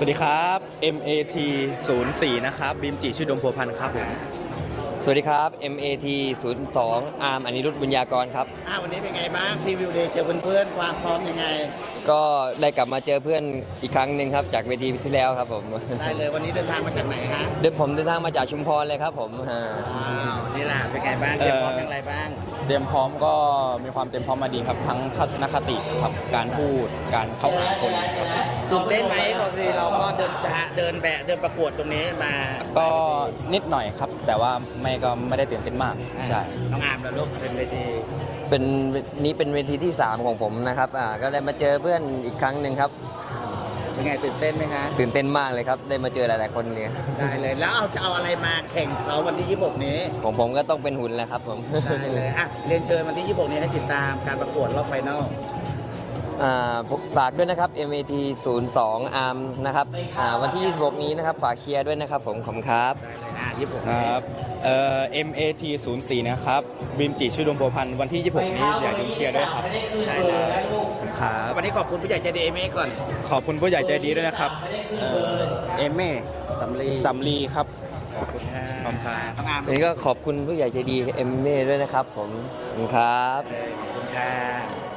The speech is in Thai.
วัสดีครับ MAT 04นะครับบิมจิชื่อดมพัวพันธ์ครับผมสวัสดีครับ MAT 02อาร์มอนิรุทธบุญญากรครับวันนี้เป็นไงบ้างพรีวิวเดย์เจอเพื่อนๆความพร้อมยังไงก็ได้กลับมาเจอเพื่อนอีกครั้งหนึ่งครับจากเวทีที่แล้วครับผมได้เลยวันนี้เดินทางมาจากไหนฮะผมเดินทางมาจากชุมพรเลยครับผมนี่แหละเป็นไงบ้างเตรียมพร้อมอย่างไรบ้างเตรียมพร้อมก็มีความเตรียมพร้อมมาดีครับทั้งทัศนคติครับการพูดการเข้าหาคนครับตื่นเต้นไหมปกติเราก็เดินประกวดตรงนี้มาก็นิดหน่อยครับ แต่ว่าไม่ได้ตื่นเต้นมากใช่น้องอาร์มแล้วลูกเป็นเวทีเป็นเวทีที่ 3 ของผมนะครับก็ได้มาเจอเพื่อนอีกครั้งหนึ่งครับเป็นไงตื่นเต้นไหมคะตื่นเต้นมากเลยครับได้มาเจอหลายๆคนเนี่ยได้เลยแล้วจะเอาอะไรมาแข่งเขาวันที่ 26 นี้ผมก็ต้องเป็นหุ่นแหละครับผมได้เลยเรียนเชิญวันที่ 26 นี้ให้ติดตามการประกวดรอบไฟนอลฝากด้วยนะครับ MAT 02อาร์มนะครับวันที่ 26 นี้นะครับฝากเชียร์ด้วยนะครับผมขอบคุณครับได้เลย26 ครับMAT 04นะครับบิมจิชื่อดมพัวพันธ์วันที่ 26 นี้อยากดูเชียร์ด้วยครับได้เลยครับวันนี้ขอบคุณผู้ใหญ่ใจดีเอเมก่อนขอบคุณผู้ใหญ่ใจดีด้วยนะครับเอเม่สำลีครับขอบคุณครับขอบคุณครับน้องอาร์มวันนี้ก็ขอบคุณผู้ใหญ่ใจดีเอ็มเม่ด้วยนะครับผมขอบคุณครับขอบคุณค่ะ